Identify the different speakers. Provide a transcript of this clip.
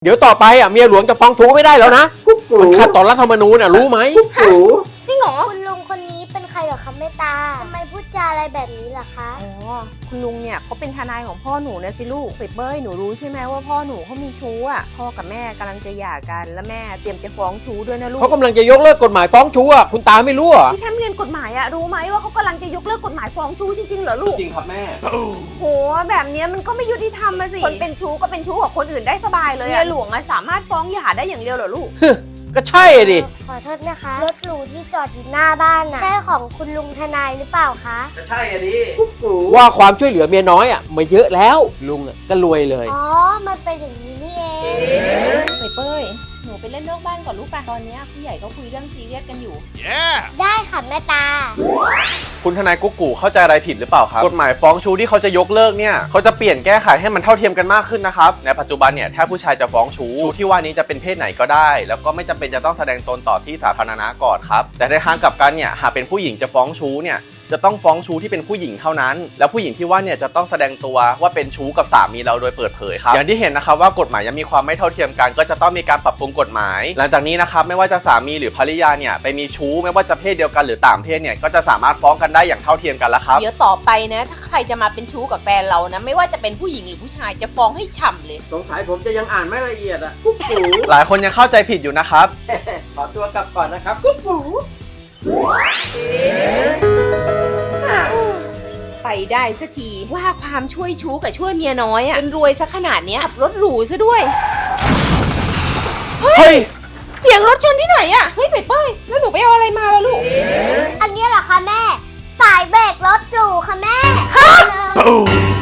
Speaker 1: เดี๋ยวต่อไปเมียหลวงจะฟ้องชู้ไม่ได้แล้วนะมันขัดต่อรัฐธรรมนูญรู้ไหม
Speaker 2: จริงเหรอ
Speaker 3: คุณลุงคนนี้เป็นใครเหรอคะแม่ตาทำไมพูดจาอะไรแบบนี้ล่ะคะ
Speaker 2: อ๋อคุณลุงเนี่ยเขาเป็นทนายของพ่อหนูนะสิลูกเปเป้ยหนูรู้ใช่ไหมว่าพ่อหนูเขามีชู้อ่ะพ่อกับแม่กำลังจะหย่ากันแล้วแม่เตรียมจะฟ้องชู้ด้วยนะลูก
Speaker 1: เขากำลังจะยกเลิกกฎหมายฟ้องชู้คุณตาไม่รู้เหรอ
Speaker 2: พี่แชมป์เรียนกฎหมายอะรู้ไหมว่าเขากำลังจะยกเลิกกฎหมายฟ้องชู้จริงๆเหรอลูก
Speaker 4: จริงครับแม่
Speaker 2: โหแบบเนี้ยมันก็ไม่ยุติธรรมอะสิคนเป็นชู้ก็เป็นชู้กับคนอื่นได้สบายเลยเมียหลวงอะสามารถฟ้องหย่าได้อย่างเดียวเหรอลูก
Speaker 1: ก็ใช่ดิ
Speaker 3: ขอโทษนะคะรถหรูที่จอดอยู่หน้าบ้านน่ะใช่ของคุณลุงทนายหรือเปล่าคะ
Speaker 4: ก็ใช่อะดิ
Speaker 1: ว่าความช่วยเหลือเมียน้อยมาเยอะแล้วลุงก็รวยเลย
Speaker 3: อ๋อมันเป็นอย่างนี้นี่เอง
Speaker 2: เปเป้ยหนูไปเล่นนอกบ้านก่อนลูกป่ะตอนเนี้ยผู้ใหญ่เขาคุยเรื่องซีเรียสกันอยู่
Speaker 3: ได้ค่ะแม่ตา
Speaker 4: คุณทนายกุ๊กกูเข้าใจอะไรผิดหรือเปล่าครับกฎหมายฟ้องชู้ที่เขาจะยกเลิกเนี่ยเขาจะเปลี่ยนแก้ไขให้มันเท่าเทียมกันมากขึ้นนะครับในปัจจุบันเนี่ยถ้าผู้ชายจะฟ้องชู้ที่ว่านี้จะเป็นเพศไหนก็ได้ แล้วก็ไม่จำเป็นจะต้องแสดงตนต่อที่สาธารณะก่อนครับแต่ในทางกลับกันเนี่ยหากเป็นผู้หญิงจะฟ้องชู้เนี่ยจะต้องฟ้องชู้ที่เป็นผู้หญิงเท่านั้นแล้วผู้หญิงที่ว่าเนี่ยจะต้องแสดงตัวว่าเป็นชู้กับสามีเราโดยเปิดเผยครับอย่างที่เห็นนะครับว่ากฎหมายยังมีความไม่เท่าเทียมกันก็จะต้องมีการปรับปรุงกฎหมาย หลังจากนี้นะครับไม่ว่าจะสามีหรือภริยาเนี่ยไปมีชู้ไม่ว่าจะเพศเดียวกันหรือต่างเพศเนี่ยก็จะสามารถฟ้องกันได้อย่างเท่าเทียมกันแล้วครับ
Speaker 2: เดี๋ยวต่อไปนะถ้าใครจะมาเป็นชู้กับแฟนเรานะไม่ว่าจะเป็นผู้หญิงหรือผู้ชายจะฟ้องให้ฉ่ำเลย
Speaker 1: สงสัยผมจะยังอ่านไม่ละเอียดกุ๊กกู
Speaker 4: หลายคนยังเข้าใจผิดอยู่นะครับ
Speaker 1: ขอตัวกลับก่อนนะครับกุ๊กกู
Speaker 2: ไปได้สักทีว่าความช่วยชู้กับช่วยเมียน้อยอะจนรวยซะขนาดเนี้ยขับรถหรูซะด้วย
Speaker 4: เฮ้ย
Speaker 2: เสียงรถชนที่ไหนอะเฮ้ยเปเป้ยแล้วหนูไปเอาอะไรมาล่ะลูก
Speaker 3: อันนี้เหรอคะแม่ สายเบรกรถหรูค่ะแม่
Speaker 4: Boom